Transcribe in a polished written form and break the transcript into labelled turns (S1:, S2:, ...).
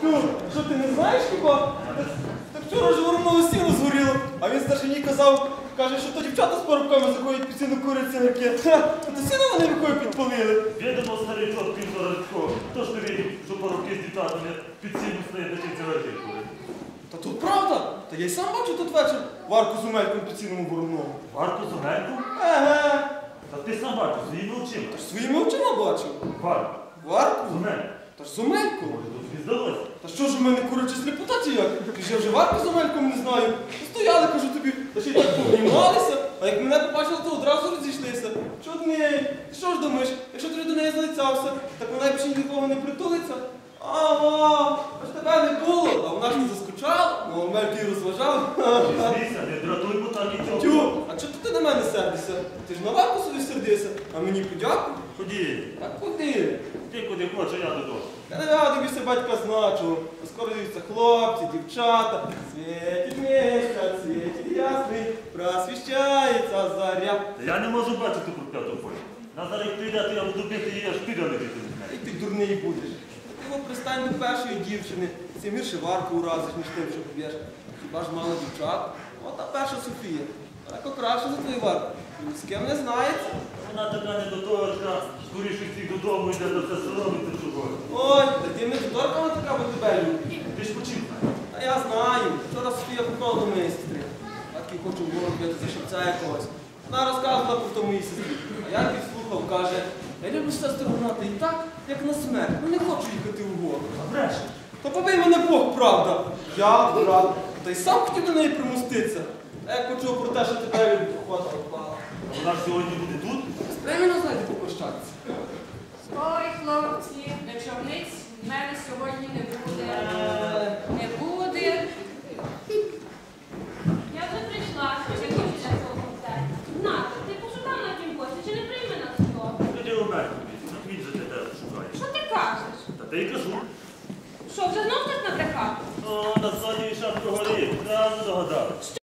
S1: Ну, що ти не знаєш хіба? Так вчора ж воронове сіло згоріло, а він старшині казав, каже, що то дівчата з парубками заходять під сіну курять синики. То сіно вони рукою підпалили.
S2: Відомо старий тот півторачко. Хто ж тобі, що парубки з дівчатами під сіну стоять на ті цигарки курять?
S1: Та тут правда. Та я й сам бачу тут вечір Варку з Омельком під сіном у вороному.
S2: Варку з Омельком?
S1: Еге.
S2: Та ти сам бачив, своїми очима.
S1: Та ж своїми очима бачив.
S2: Варку.
S1: Варку?
S2: З Омельком.
S1: Та ж з Омельком.
S2: Може, тут тобі здалося?
S1: Та що ж у мене куряча сліпота чи як? Ти ж я вже Варку з Омельком не знаю. Стояли, кажу тобі, та ще й так повнімалися, а як мене побачили, то одразу розійшлися. Чудний, ти що ж думаєш, якщо ти до неї залицявся, так вона більше нікого не притулиться? Ага, аж тебе не було, а вона ж не заскучала, ну Омельки її розважав.
S2: Змійся, не дратуй, бо так і цього.
S1: Тю, а чого ти на мене сердишся? Ти ж на Варку собі сердишся, а мені подякуй.
S2: Ході.
S1: Так куди?
S2: Ти куди хочеш, я додому.
S1: Я не радуюся батька значу, оскорюються хлопці, дівчата. Світить місяць, світить ясний, просвіщається заря.
S2: Та я не можу бачити прокляту полі. Назар, як прийде, то я буду бити її, аж піде не бити.
S1: І ти дурний будеш. Ти його пристань до першої дівчини, цим гірше Варку уразиш, ніж тим, що поб'єш. Хіба ж мало дівчат? От та перша Софія. Далеко краще за твою Варку. Ні з ким не знається.
S2: Вона така недоторка, скоріше всіх додому йде, до все соромиться чого.
S1: Ой, та ти не доторкана така, бо тебе любить.
S2: Ти ж почив.
S1: А я знаю. Вчора Софія попала до моєї сестри. Батьки хочу в город бити за шевця якогось. Вона розказувала про тому моїй сестрі. А я підслухав, каже, я люблю сестру гнати і так, як на смерть. Ну не хочу їхати в город.
S2: А бреше.
S1: Та побий мене Бог, правда. Я брат. Та й сам хотів до неї примуститися. А як почув про те, що тебе люблю, хвата впала.
S2: А вона ж сьогодні буде тут?
S1: Спреміно знайти попрощатися.
S3: Ой, хлопці, вечорниць в мене сьогодні не буде. Не буде.
S4: Я вже прийшла, чи хочеш на цього концерту? Нато, ти пошукав на тім кошті, чи не прийме нас хто?
S2: Тоді у мене. Він же тебе шукає.
S3: Що ти кажеш?
S2: Та ти й кажу.
S3: Що, вже знов так набрехав?
S2: О, на зоні шапку горі. Правильно догадав.